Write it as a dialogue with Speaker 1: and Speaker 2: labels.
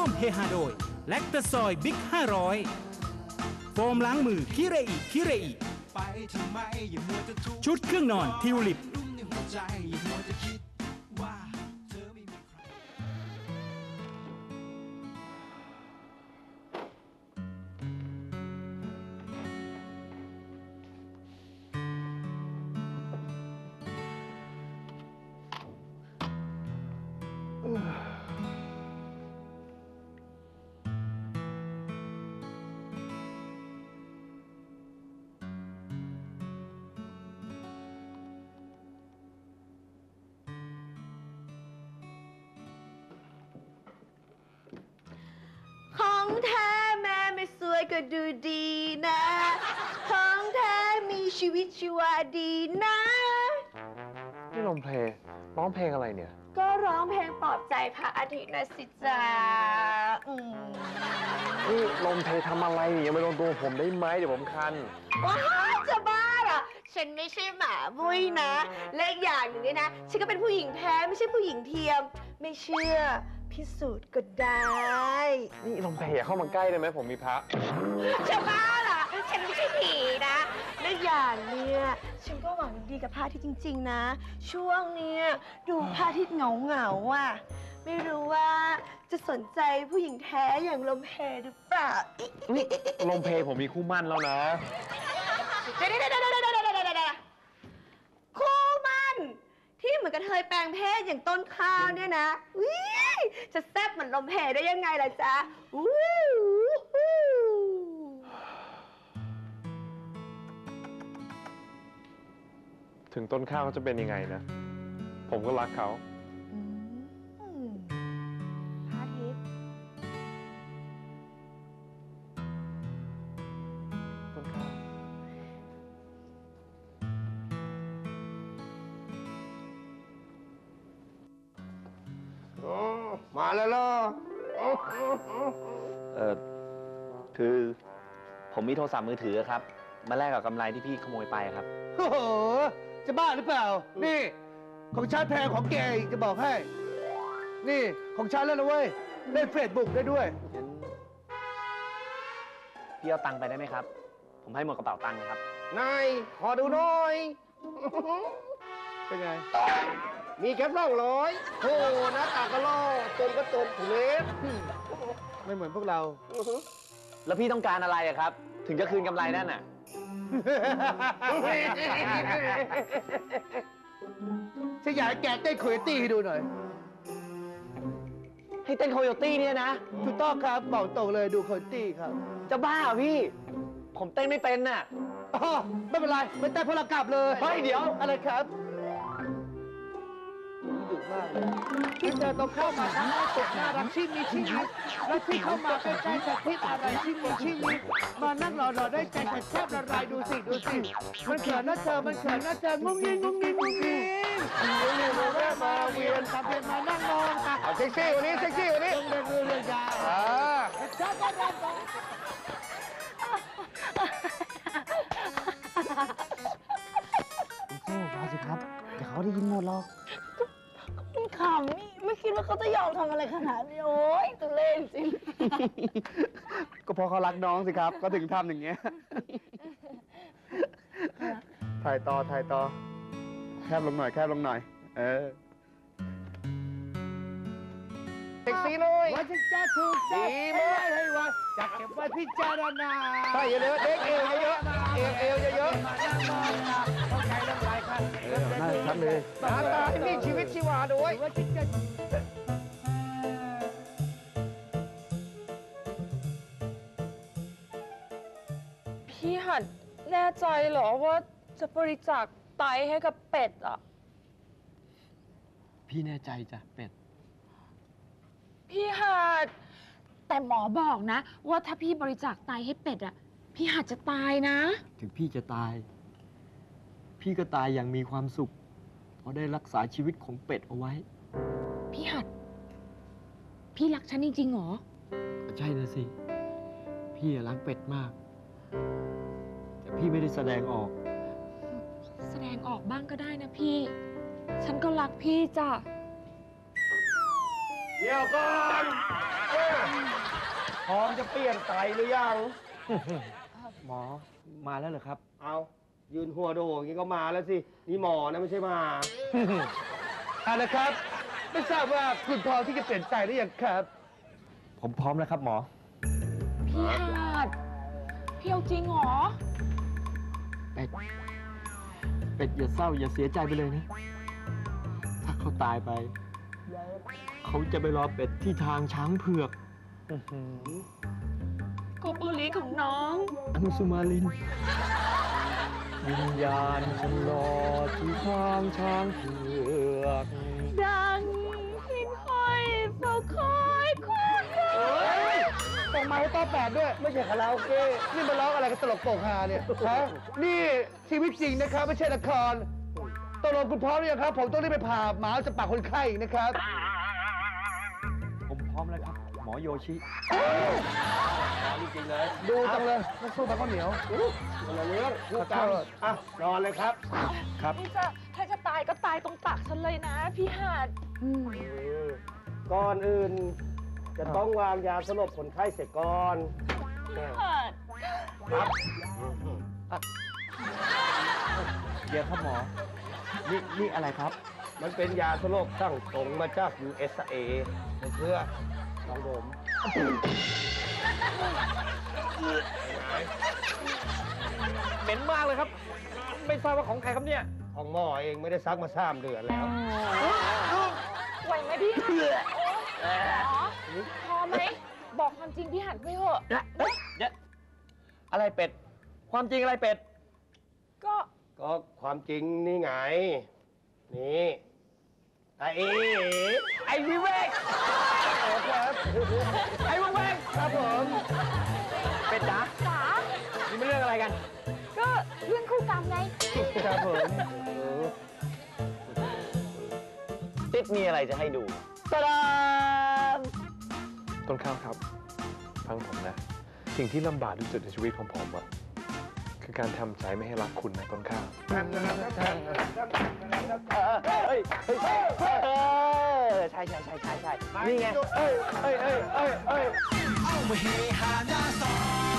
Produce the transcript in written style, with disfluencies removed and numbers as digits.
Speaker 1: มเฮฮาโดยแลคตาซอยบิ๊ก500โฟมล้างมือคิเรอิคิเรอิชุดเครื่องนอนทิวลิป
Speaker 2: ของแท้แม่ไม่สวยก็ดูดีนะของแท้มีชีวิตชีวาดีนะ
Speaker 3: นี่ลมเพลงร้องเพลงอะไรเนี่ย
Speaker 2: ก็ร้องเพลงปลอบใจพระอาทิตย์นะสิจ๊ะ
Speaker 3: นี่ลมเพลงทำอะไรเนี่ยอย่ามาโดนตัวผมได้ไหมเดี๋ยวผมคัน
Speaker 2: ว้าวจะบ้าเหรอฉันไม่ใช่หมาบุ้ยนะและอีกอย่างหนึ่งเนี่ยนะฉันก็เป็นผู้หญิงแท้ไม่ใช่ผู้หญิงเทียมไม่เชื่อพิสูจน์ก็ได้
Speaker 3: นี่ลมเพลอย่าเข้ามาใกล้ได้ไหมผมมีพระ
Speaker 2: จะบ้าเหรอฉันไม่ใช่ผีนะและอย่างเนี่ยฉันก็หวังดีกับพระอาทิตย์จริงๆนะช่วงเนี้ยดูพระอาทิตย์เหงาๆอ่ะไม่รู้ว่าจะสนใจผู้หญิงแท้อย่างลมเพหรือเปล่า
Speaker 3: ลมเพลผมมีคู่มั่นแล้วนะ
Speaker 2: เดี๋ยวคู่มั่นที่เหมือนกับเธอแปลงเพศอย่างต้นข้าวเนี่ยนะจะแซ่บเหมือนลมเพได้ยังไงล่ะจ๊ะ
Speaker 3: ถึงต้นข้าวเขาจะเป็นยังไงนะผมก็รักเขา
Speaker 2: พระอาทิตย์
Speaker 3: ต้นข้าว
Speaker 4: มาแล้วเหรอ
Speaker 5: คือผมมีโทรศัพท์มือถือครับมาแลกกับกำไรที่พี่ขโมยไปครับ
Speaker 4: โอ้โหจะบ้าหรือเปล่านี่ของฉันแพงของแกอีกจะบอกให้นี่ของฉันแล้วนะเว้ยเล่นเฟซบุ๊กได้ด้วย
Speaker 5: พี่เอาตังค์ไปได้ไหมครับผมให้หมดกระเป๋าตังค์นะครับ
Speaker 4: นายขอดูหน่อยเป็นไงมีแค่200โอ้หน้าตาก็ล่อจนก็จนถุงเล็กไม่เหมือนพวกเรา
Speaker 5: แล้วพี่ต้องการอะไรอะครับถึงจะคืนกำไรนั่นน่ะ
Speaker 4: ฉันอยากให้แกเต้นโคโยตี้ให้ดูหน่อย
Speaker 5: ให้เต้นโคโยตี้เนี่ยนะ
Speaker 4: ถูกต้องครับบอกตรงเลยดูโคโยตี้ครับ
Speaker 5: จะบ้าเหรอพี่ผมเต้นไม่เป็นน่ะ
Speaker 4: อ๋อไม่เป็นไรไม่เต้นพลกลับเลย
Speaker 5: เฮ้ยเดี๋ยว
Speaker 4: อะไรครับดุมากเลยที่เธอต้องเข้ามาทั้งหน้าตกน่ารักที่มีชีวิตและที่เข้ามาใกล้ๆจะคิดอะไรที่มีชีวิตมานั่งรอได้ใจแทบละลายดูสิมันเขินนะเธอมันเขินนะเธองุ้งงิ้งแวะมาเวียนทำเป็นมานั่งมองเอาเซ็กซี่วันนี้เซ็กซี่วันนี้เรื่องยาวชอบกันมาสิครับเดี๋ยวเขาได้ยินหมดหรอก
Speaker 2: ขำนี่ไม่คิดว่าเขาจะยอมทำอะไรขนาดนี้โอ๊ยตัวเล่นจริง
Speaker 4: ก็เพราะเขารักน้องสิครับก็ถึงทำอย่างเงี้ยถ่ายต่อแคบลงหน่อยเซ็กซี่เลยว่าจะถูกดีไหมให้ว่าจะเก็บไว้พิจารณาใช่เยอะๆเด็กเอวเยอะมานั่งมองนะเข้าใจเรื่องไรครับน่าชัดเลยหน้าตาที่มีชีวิตชีวาด้วย
Speaker 6: พี่หัดแน่ใจเหรอว่าจะบริจาคไตให้กับเป็ดอ่ะ
Speaker 3: พี่แน่ใจจ้ะเป็ด
Speaker 6: พี่หัดแต่หมอบอกนะว่าถ้าพี่บริจาคไตให้เป็ดอ่ะพี่หัดจะตายนะ
Speaker 3: ถึงพี่จะตายพี่ก็ตายอย่างมีความสุขเพราะได้รักษาชีวิตของเป็ดเอาไว้
Speaker 6: พี่หัดพี่รักฉันจริงๆหรอ
Speaker 3: ใช่นะสิพี่รักเป็ดมากแต่พี่ไม่ได้แสดงออก
Speaker 6: แสดงออกบ้างก็ได้นะพี่ฉันก็รักพี่จ้ะ
Speaker 4: เดี๋ยวก่อนพร้อมจะเปลี่ยนไตหรือยัง
Speaker 3: หมอมาแล้วเหรอครับ
Speaker 4: เอายืนหัวโดอย่างนี้ก็มาแล้วสิ นี่หมอนะไม่ใช่หมา เอาละครับ ไม่ทราบว่าคุณพร้อมที่จะเปลี่ยนใจหรือยังครับ
Speaker 3: ผมพร้อมแล้วครับหมอ
Speaker 6: พี่หาดพี่เอาจริงเหรอ
Speaker 3: เป็ด เป็ดอย่าเศร้าอย่าเสียใจไปเลยนะ ถ้าเขาตายไป เขาจะไปรอเป็ดที่ทางช้างเผือก
Speaker 6: โกโบลีของน้อง
Speaker 3: อังสุมาลิน วิญญาณฉันรอที่ทางช้างเผือก
Speaker 6: ดังหินห้อยเฝ้าคอยคู่
Speaker 4: ต้องมาให้ต้อแปดด้วย ไม่ใช่คาราโอเกะนี่มาร้องอะไรกันตลกโปกฮาเนี่ยฮะนี่ชีวิตจริงนะครับ ไม่ใช่ละครตกลงคุณพร้อมหรือยังครับ ผมต้องรีบไปผ่าหมาจะปากคนไข้อีกนะครับ
Speaker 3: ผมพร้อมแล้วครับ หมอโยชิ
Speaker 4: จริงๆเลย ดูจังเลยน้ำซุปมันข้าวเหนียวคนละเรื่องพูดกันอ่ะนอนเลยครับ
Speaker 3: ครับ
Speaker 6: นี่จะถ้าจะตายก็ตายตรงตักฉันเลยนะ พี่หาด
Speaker 4: ก่อนอื่น จะต้องวางยาสลบคนไข้เสร็จก่อน
Speaker 6: พี่หาด
Speaker 4: ครับ
Speaker 3: เดี๋ยวครับหมอ นี่อะไรครับ
Speaker 4: มันเป็นยาสลบสั่งตรงมาจาก USA เพื่อลองดม
Speaker 3: เหม็นมากเลยครับ ไม่ทราบว่าของใครครับเนี่ย
Speaker 4: ของหมอเองไม่ได้ซักมา3 เดือนแล้ว
Speaker 6: ไหวไหมพี่หาดหมอพอไหม บอกความจริงพี่หาดไปเถอะ
Speaker 3: อะไรเป็ด ความจริงอะไรเป็ด
Speaker 6: ก็
Speaker 4: ก็ความจริงนี่ไง นี่ไอ้วิเวกครับ
Speaker 3: ไอ้วงแวง
Speaker 4: ครับผม
Speaker 3: เป็ดจ๋า
Speaker 6: จ๋า
Speaker 3: นี่ไม่เรื่องอะไรกัน
Speaker 6: ก็เรื่องคู่กรรมไง
Speaker 4: ครับผม
Speaker 5: ติ๊ดมีอะไรจะให้ดู
Speaker 3: ตะดาม
Speaker 7: ต้นข้าวครับ ฟังผมนะ สิ่งที่ลำบากที่สุดในชีวิตของผมอะคือการทำใจไม่ให้รักคุณนะต้นข้าว
Speaker 5: ใช่นี่ไง
Speaker 4: เอ้ย